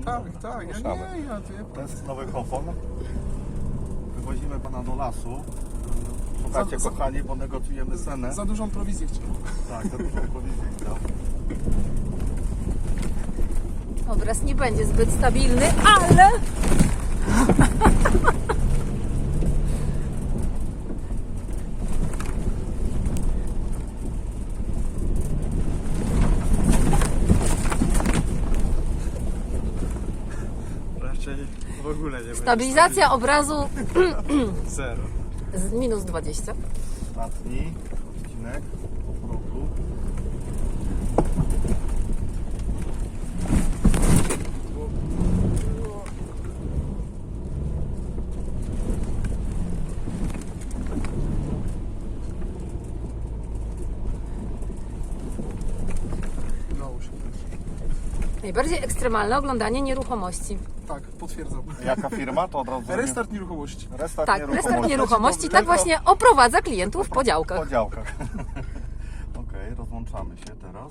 Tak, ja Ruszamy. nie, ja ty. To jest nowy Hofon. Wywozimy pana do lasu. Słuchajcie, Za- kochani, bo negocjujemy cenę. Za dużą prowizję chciał. Tak, za dużą prowizję chciał. Obraz nie będzie zbyt stabilny, ale... Raczej w ogóle nie będzie. Stabilizacja obrazu Zero. z minus 20. Ostatni odcinek po progu. Udało się. Najbardziej ekstremalne oglądanie nieruchomości. Tak, potwierdzam. Jaka firma? To od razu Restart nieruchomości. Restart Tak, nieruchomości. restart nieruchomości tak Tylko właśnie oprowadza klientów po w działkach. podziałkach. Okej, rozłączamy się teraz.